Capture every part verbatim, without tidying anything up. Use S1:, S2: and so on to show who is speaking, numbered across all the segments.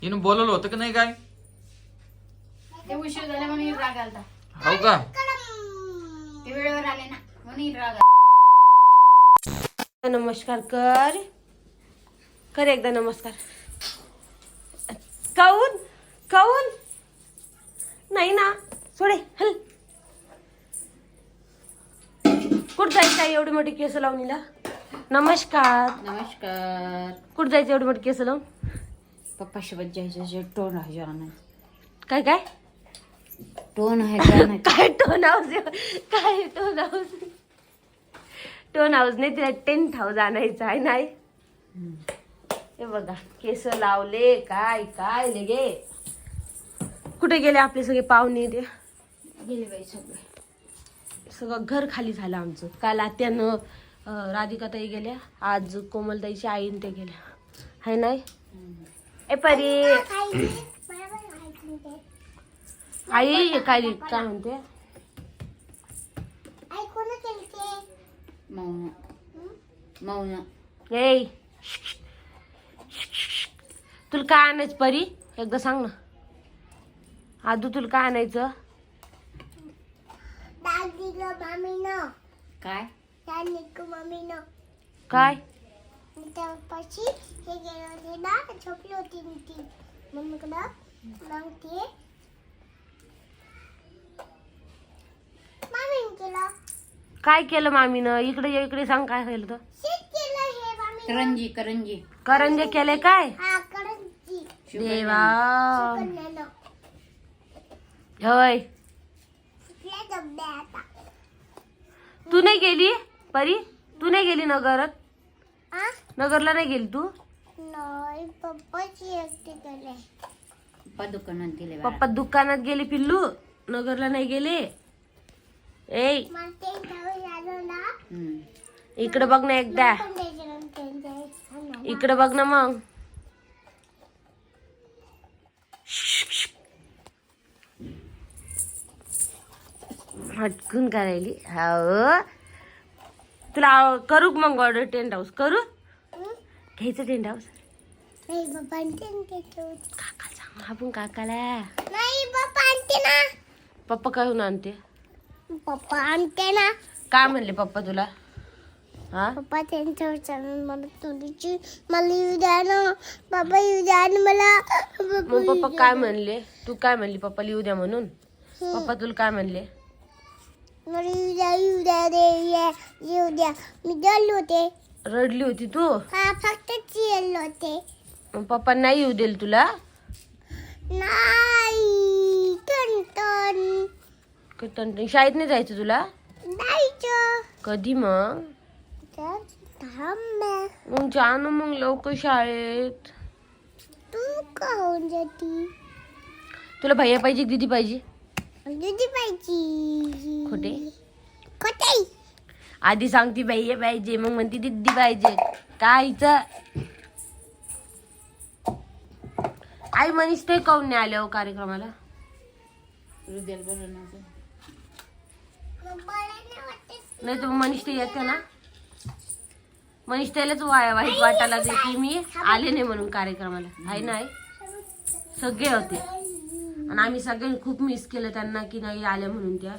S1: हिनं बोलवलं होतं की नाही काय?
S2: ते उशीर झाला म्हणून राग आलता.
S1: हो का?
S2: ते वेळेवर आले ना म्हणून राग.
S3: नमस्कार कर कर एकदा नमस्कार. काऊन काऊन नाही ना सोडे हल. कुठं जायचं आहे एवढी मोठी केस लावून हिला? नमस्कार.
S2: नमस्कार.
S3: कुठं जायचं एवढी मोठी केस लावून?
S2: पप्पा सोबत जायचं. टोन आहे जाणं.
S3: काय काय
S2: टोन आहे जाणं.
S3: काय टोन हाऊस काय टोन हाऊस टोन हाऊस नाही तिला टेंट हाऊस आणायचं आहे नाही. हे बघा केस लावले काय काय लगे. कुठे गेले आपले सगळे पाहुणे? ते
S2: गेले बाई सगळे.
S3: सगळं घर खाली झालं आमचं. काल आत्यानं अं, राधिकाताई गेल्या, आज कोमलताईची आईन ते गेल्या हाय नाही. ए परी आई काय काय म्हणते?
S2: मौन मौन.
S3: ए तुला काय आणायचं परी एकदा सांग ना. आदू तुला काय आणायचं?
S2: काय
S3: काय
S4: त्यापाशी हे गेले होते ना, झोपली होती मी ती मम्मीकडं. मग ते मामीने केलं.
S3: काय केलं मामीनं? इकडे ये, इकडे सांग काय केलं तर.
S4: शीत केलं हे मामी.
S2: करंजी करंजी.
S3: करंजे केले काय?
S4: हा करंजी.
S3: देवा
S4: कन्यानं.
S3: होय.
S4: कुठल्या डब्या आता?
S3: तू नाही गेली परी? तू नाही गेली नगरात?
S4: आ?
S3: नगरला नाही गेली तू?
S4: नाही, पप्पाची एकटी गेले.
S2: पप्पा दुकानात गेले बाळा.
S3: पप्पा दुकानात गेले पिल्लू, नगरला नाही गेले. ए
S4: मला ते जाऊन आलो ना,
S2: हम्म.
S3: इकडे बघ ना एकदा,
S4: पण त्याच्यानं ते जायचं.
S3: इकडे बघ ना मग. हटकून करायली. हो तुला करू का मग ऑर्डर? टेंट हाऊस करू? घ्यायचं टेंट हाऊस?
S4: नाही बाबा आणते ना त्याच्यावर.
S3: काका सांग आपण काकाला.
S4: नाही बाबा आणते ना.
S3: पप्पा काय आणते?
S4: पप्पा आणते ना.
S3: काय म्हणले पप्पा तुला? हा
S4: पप्पा त्यांच्यावर चालून मला तुझी मला येऊ द्या ना. बाबा येऊ द्या ना मला.
S3: मग पप्पा काय म्हणले? तू काय म्हणली पप्पा लिहू द्या म्हणून? पप्पा तुला काय म्हणले?
S4: मला येऊ द्या येऊ द्या रे ये- येऊ द्या. मी गेलो होते.
S3: रडली होती तू?
S4: हा फक्त गेलो होते.
S3: मग पप्पा नाही येऊ देईल तुला?
S4: नाही टन
S3: टन शाळेत नाही जायचं तुला?
S4: जायचं.
S3: कधी मग?
S4: तर थांब ना.
S3: मग जा ना मग लवकर शाळेत.
S4: तू काहून जाती?
S3: तुला भैया पाहिजे दीदी पाहिजे?
S4: दीदी पाहिजे.
S3: खोटे
S4: खोटे.
S3: आधी सांगती भैया पाहिजे, मग म्हणती दीदी पाहिजे. कायचं आई मनीष ते काऊन नाही आल्या हो कार्यक्रमाला?
S2: हृदयाला बरं नव्हतं.
S3: नाही तर मनीष ते येते ना. मनीष त्यालाच वाया वाईट वाटायला लागले की मी आले नाही म्हणून कार्यक्रमाला. आहे ना आई? सगळे होते आणि आम्ही सगळ्यांनी खूप मिस केलं त्यांना की नाही आल्या म्हणून. त्या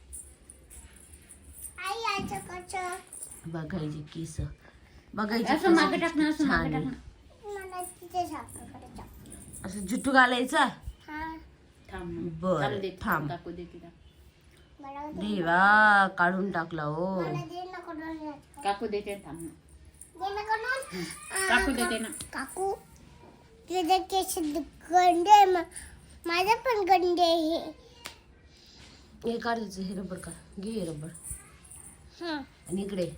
S4: आई याचं कसं?
S3: बघायचे केस
S2: असं
S3: बघायचे
S2: मागे टाक ना, असं
S3: छान
S2: मागे
S3: आहे.
S2: टाक ना.
S4: मला तिथे साखर टाक.
S3: असं जुट्टू घालायचं.
S4: हा
S2: थांब ना.
S3: बरं,
S2: चालू दे,
S3: थांब.
S2: काकू दे तिला.
S4: मला दे.
S3: देवा काढून टाकला हो.
S4: मला दे ना कडून.
S2: काकू देते थांब ना.
S4: दे ना कडून.
S2: काकू देते ना.
S4: काकू तुझे केस गंडे आहे. मा- माझं पण गंडे आहे.
S3: हे काढायचं. हे रबर का घे हे रबर.
S4: हा
S3: आणि इकडे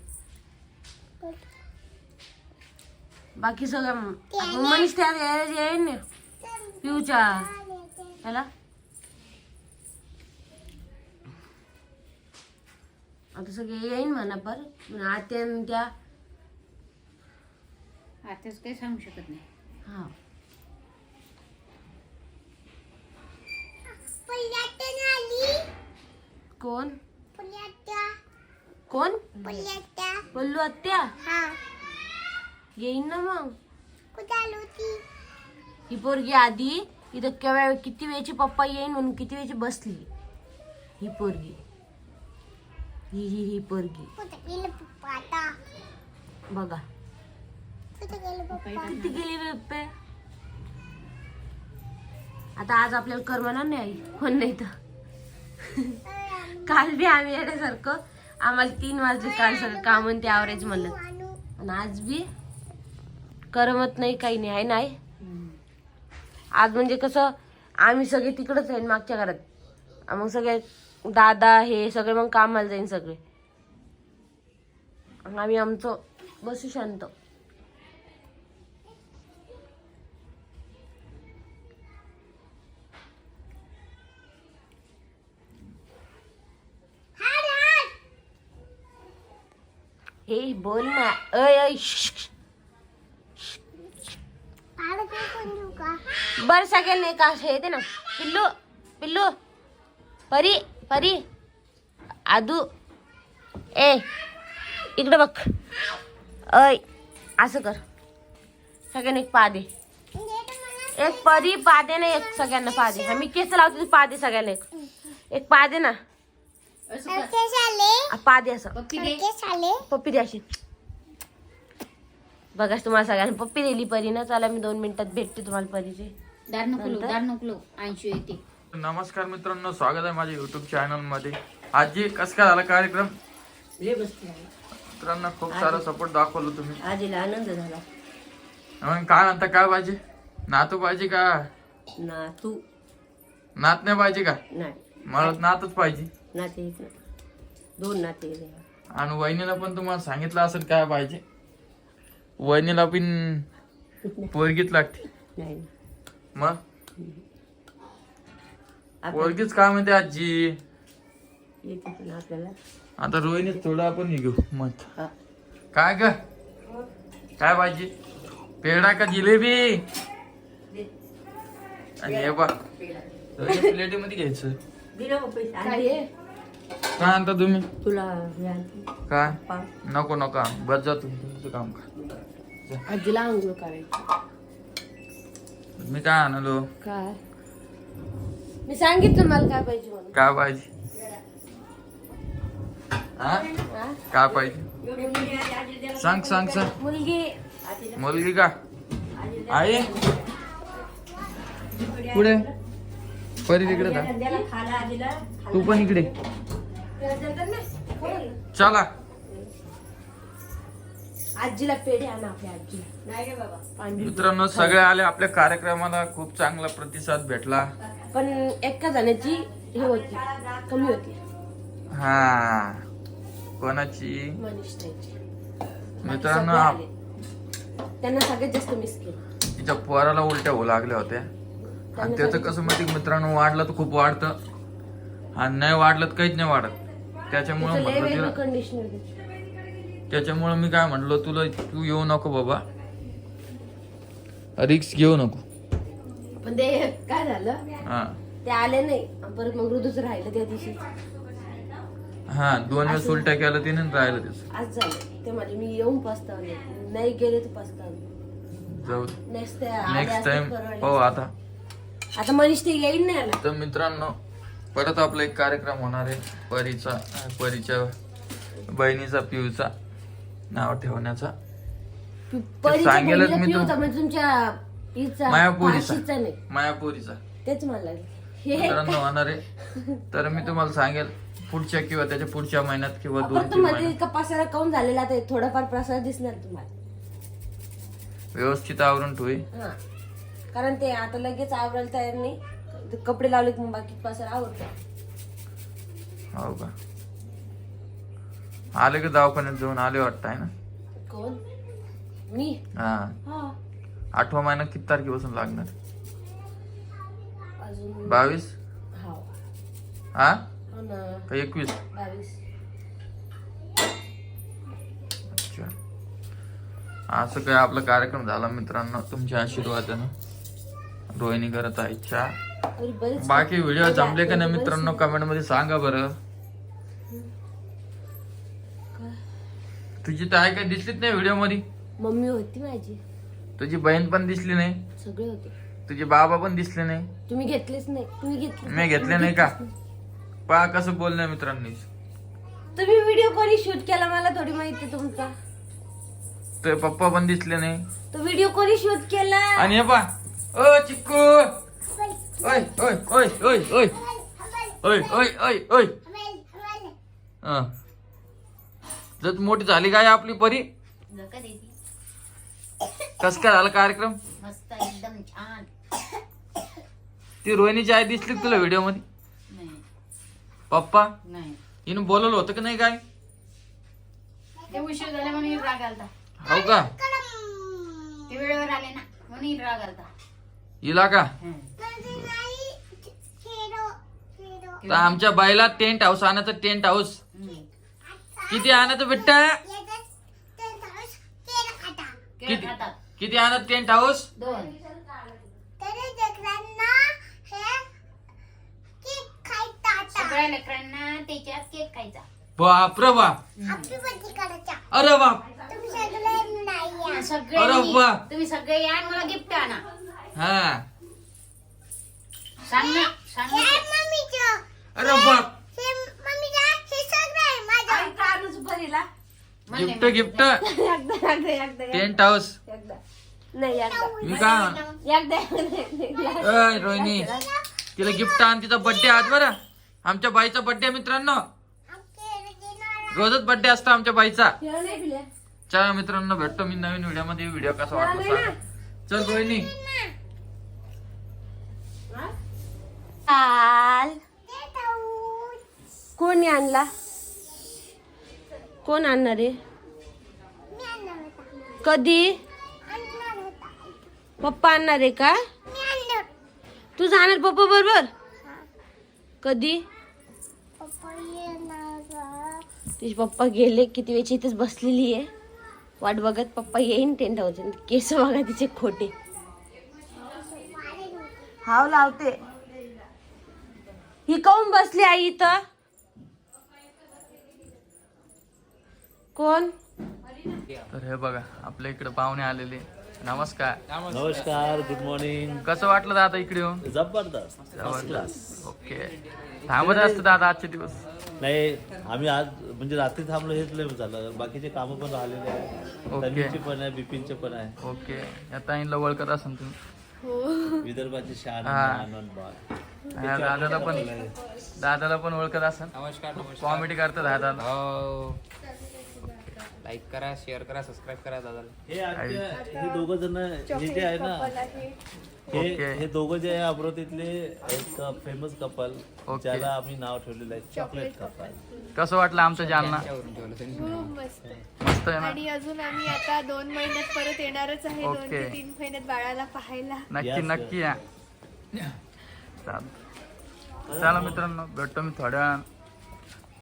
S3: बाकी सगळं आपण मनीष त्या येईन ना पिऊच्या याला. आता सगळे येईन म्हणा पर आत्या न त्या.
S2: आताच काही सांगू शकत नाही.
S3: हा
S4: पुण्यातून आली.
S3: कोण?
S4: पुण्यात्या
S3: कोण?
S4: पुण्यात्या.
S3: बोललो आत्या
S4: हा
S3: येईन ना मग.
S4: कुठे आली होती?
S3: ही पोरगी आधी इथं केव्हा किती वेळची पप्पा येईन म्हणून किती वेळची बसली. ही पोरगी ही ही ही पोरगी
S4: कुठे गेले पप्पा आता?
S3: बघा
S4: कुठे गेले पप्पा?
S3: किती गेली पप्पा. आता आज आपल्याला करमणार नाही आई कोण नाही तर. काल बी आम्ही येण्यासारखं आम्हाला तीन वाजले काल सगळं काम आणि ते आवरायचं म्हणलं आणि आज बी करमत नाही काही नाही आहे नाही. आज म्हणजे कसं आम्ही सगळे तिकडच आहे मागच्या घरात मग सगळे दादा हे सगळे मग कामाला जाईन सगळे आम्ही आमचं बसू शांत. हे बोल ना अय अय
S4: पाड काय कोण देऊ का?
S3: बर सगळ्यांना एक असं येते ना पिल्लू पिल्लू परी परी आदू ए इकडे बघ अय असं कर सगळ्यांना एक पा दे. एक परी पा दे ना एक सगळ्यांना पा दे. मी केस लावते पा दे सगळ्यांना एक एक पा दे ना
S2: असं कर.
S4: केस आले?
S3: आ, पा दे असं
S2: पप्पी दे.
S4: केस आले?
S3: पप्पी दे अशी. बघा तुम्हाला सगळ्यांना पप्पी दिली परी ना. चला मी दोन मिनिटात भेटते तुम्हाला परीचे.
S2: दार नको लावू, दार नको लावू. ऐंशी येते.
S1: नमस्कार मित्रांनो, स्वागत आहे माझ्या युट्यूब चॅनल मध्ये. आजी कस काय झाला कार्यक्रम मित्रांनो? खूप सारा सपोर्ट दाखवलं तुम्ही.
S3: आजीला आनंद झाला
S1: मग काय म्हणता, काय पाहिजे? नातू पाहिजे का?
S3: ना तू
S1: नात नाही पाहिजे का?
S3: नाही
S1: मला नातच पाहिजे.
S3: नाते एक ना दोन नाते.
S1: आणि वहिनीला पण तुम्हाला सांगितलं असेल काय पाहिजे. वहिनीला पण पोरगीच लागते.
S3: नाही
S1: मग पोरगीच काय म्हणते आजी.
S3: येते पण आपल्याला.
S1: आता रोहिणी थोडं आपण घेऊ मत.
S3: हा.
S1: काय ग काय पाहिजे? पेढा का जिलेबी? आणि हे बघ प्लेटी मध्ये घ्यायचं.
S3: काय
S1: काय आणता तुम्ही?
S3: तुला
S1: काय नको नको बस जा तुम्ही तुमचं काम का.
S3: आजीला आंघोळ करायची.
S1: मी काय आणलो?
S3: काय मी सांगितलं मला काय पाहिजे म्हणून.
S1: काय पाहिजे? हा
S3: हा?
S1: काय पाहिजे? सांग सांग सांग.
S3: मुलगी
S1: मुलगी का? आई पुढे परी तिकडे जा. तू पण इकडे चला.
S3: आजीला पेढे आणा आपल्या आजीला. नाही रे बाबा
S1: मित्रांनो सगळे आले आपल्या कार्यक्रमाला. खूप चांगला प्रतिसाद भेटला.
S3: पण एका जणाची हे होती कमी होती.
S1: हा कोणाची?
S3: मनीष ताईची.
S1: मित्रांनो
S3: सगळे
S1: आप-
S3: आले. त्यांना सगळ्यात जास्त मिस केलं.
S1: तिच्या पोराला उलट्या होऊ लागल्या होत्या आणि त्याचं कसं माहिती मित्रांनो, वाढलं तर खूप वाढतं आणि नाही वाढलं तर काहीच नाही वाढत. त्याच्यामुळे
S3: तिचं लय
S1: म्हटलं
S3: वेगळं
S1: तिला
S3: कंडिशनर होती.
S1: त्याच्यामुळे मी काय म्हणलो तुला, तू येऊ नको बाबा, रिक्स घेऊ नको.
S3: पण ते काय झालं
S1: हा
S3: ते आले नाही परत मग ऋतूच राहिलं त्या दिवशी.
S1: हा दोन वेळेस उलट्या केलं तिने आणि राहिलं त्याचं.
S3: आज झालं ते माझे मी येऊन पस्तावले नाही गेले तर पस्तावले.
S1: जाऊ
S3: नेक्स्ट
S1: नेक्स्ट टाइम हो. आता
S3: आता मनीष ते येईल नाही आला.
S1: तर मित्रांनो परत आपला एक कार्यक्रम होणार आहे परीचा, परीच्या बहिणीचा पिऊचा नाव ठेवण्याचा.
S3: परीच्या
S1: सांगेलच
S3: बहिणीला
S1: मी
S3: पिऊ
S1: तू-
S3: होता म्हणजे तुमच्या हिचा
S1: मायापुरीचा
S3: फाशीचा नाही.
S1: मायापुरीचा
S3: तेच मला हे
S1: मित्रांनो होणार आहे. तर मी तुम्हाला सांगेल पुढच्या किंवा त्याच्या पुढच्या महिन्यात किंवा दोन
S3: फक्त
S1: तीन
S3: मध्ये
S1: महिन्यात
S3: इतका पसारा काऊन झालेला ते थोडाफार प्रसार दिसणार तुम्हाला.
S1: व्यवस्थित आवरून ठेवी.
S3: हा कारण ते आता लगेच आवरायला तयार नाही. ते कपडे लावले की मग बाकी पसारा आवडतो.
S1: हो का? आले का दवाखान्यात जाऊन आले वाटतं आहे ना?
S3: कोण? मी?
S1: हा
S3: हा
S1: आठवा महिना किती तारखेपासून लागणार?
S3: अजून
S1: बावीस
S3: हा
S1: हा
S3: हो ना
S1: का एकवीस?
S3: बावीस.
S1: अच्छा असं काय आपला कार्यक्रम झाला मित्रांनो तुमच्या आशीर्वादानं. रोहिणी करत आहे चहा.
S3: तरी बरेच
S1: बाकी व्हिडिओ जमले का नाही मित्रांनो कमेंट मध्ये सांगा बरं. तुझी तर आहे काय दिसलीच नाही व्हिडिओ मध्ये.
S3: मम्मी होती माझी.
S1: तुझी बहीण पण दिसली नाही.
S3: सगळे होते.
S1: तुझे बाबा पण दिसले नाही.
S3: तुम्ही घेतलेच नाही. तुम्ही घेतले
S1: मी घेतले नाही का? पहा कसं बोलणं मित्रांनी.
S3: तुम्ही व्हिडिओ कोणी शूट केला मला थोडी माहिती तुमचा.
S1: तुझे पप्पा पण दिसले नाही.
S3: तो व्हिडिओ कोणी शूट केला?
S1: आणि हे पहा, ओ चिक्कू, ओय ओय ओय ओय ओय ओय ओय ओय ओय हा. जर मोठी झाली काय आपली परी?
S2: झोका देती.
S1: कस काय झाला कार्यक्रम?
S2: मस्त एकदम छान.
S1: ती रोहिणीची आई दिसली का तुला व्हिडिओ मध्ये?
S2: नाही
S1: पप्पा
S2: नाही
S1: हिनं बोलवलं होतं की नाही काय?
S2: ते उशीर झाले म्हणून हिला राग आलता.
S1: हो का?
S2: ते वेळेवर आले ना म्हणून हिला राग आलता.
S1: हिला का?
S2: हं.
S1: तर आमच्या बाईला टेंट हाऊस आणायचं. टेंट हाऊस
S2: हं.
S1: किती आणायचं बेटा?
S2: केळ
S1: किती
S2: खातात
S1: किती आणत टेंट हाऊस?
S2: दोन. सगळ्या लेकरांना त्याच्यात केक खायचा.
S1: बापरे बाप. अरे बाप.
S2: सगळे
S1: अरे
S2: मी-
S1: वा.
S2: तुम्ही सगळे या आणि मला गिफ्ट आणा.
S1: हा.
S2: सांग ना सांग ना.
S1: अरे बाप.
S2: म्हणले
S1: गिफ्ट
S2: मी.
S1: गिफ्ट
S3: एकदा एकदा एकदा
S1: टेंट हाऊस.
S3: एकदा नाही एकदा
S1: मी काय
S3: एकदा एकदा.
S1: अय रोहिणी तिला गिफ्ट आण. तिचा बर्थडे आज बरं. आमच्या बाईचा बर्थडे मित्रांनो. रोजच बर्थडे असतो आमच्या बाईचा.
S3: केळं नाही पिल्या?
S1: चला मित्रांनो भेटतो मी नवीन व्हिडिओ मध्ये. व्हिडिओ कसा वाटला सांगा. चल रोहिणी.
S3: काल कोणी आणला? कोण आणणार आहे? कधी? पप्पा आणणार आहे का? तू जाणार पप्पा बरोबर? कधी? तिचे पप्पा गेले. किती वेळची इथेच बसलेली आहे वाट बघत. पप्पा येईन टेंट हाऊस. केस बघा तिचे खोटे. हाव लावते. ही काऊन बसली आई इथं? कोण?
S1: तर हे बघा आपल्या इकडे पाहुणे आलेले. नमस्कार.
S5: नमस्कार, गुड मॉर्निंग.
S1: कसं वाटलं दादा इकडे येऊन?
S5: जबरदस्त, फर्स्ट क्लास.
S1: ओके. थांबत असतं दादा आजचे दिवस.
S5: नाही, आम्ही आज म्हणजे रात्री थांबलो हेच लय झालं. बाकीचे कामं पण राहिलेले आहे.
S1: ओके.
S5: तन्वीचे पण आहे, बिपिनचे पण आहे.
S1: ओके. या ताईंला ओळखत असाल तुम्ही.
S5: विदर्भाची शान
S1: हा.
S5: आनंद बाग.
S1: हा, दादाला पण दादाला पण ओळखत असाल.
S6: नमस्कार
S1: कॉमेडी करतात दादाला.
S6: हो लाईक करा, शेअर करा, सबस्क्राईब करा दादाला.
S5: हे आमच्या हे दोघं जण हे जे आहे ना, हे
S1: ओके.
S5: हे दोघं जे आहे अमरावतीतले एक फेमस कपल,
S1: ओके.
S5: ज्याला आम्ही नाव ठेवलेलं आहे चॉकलेट कपल.
S1: कसं वाटलं आमचं जालना?
S6: त्यावरून ठेवलं त्यांनी.
S7: खूप मस्त.
S1: मस्त आहे ना?
S7: आणि अजून आम्ही आता दोन महिन्यात परत येणारच आहे. दोन
S1: ओके.
S7: ते तीन महिन्यात बाळाला पाहायला.
S1: नक्की
S5: Yes,
S1: नक्की या. चालेल. चला मित्रांनो भेटतो मी थोड्या वेळानं.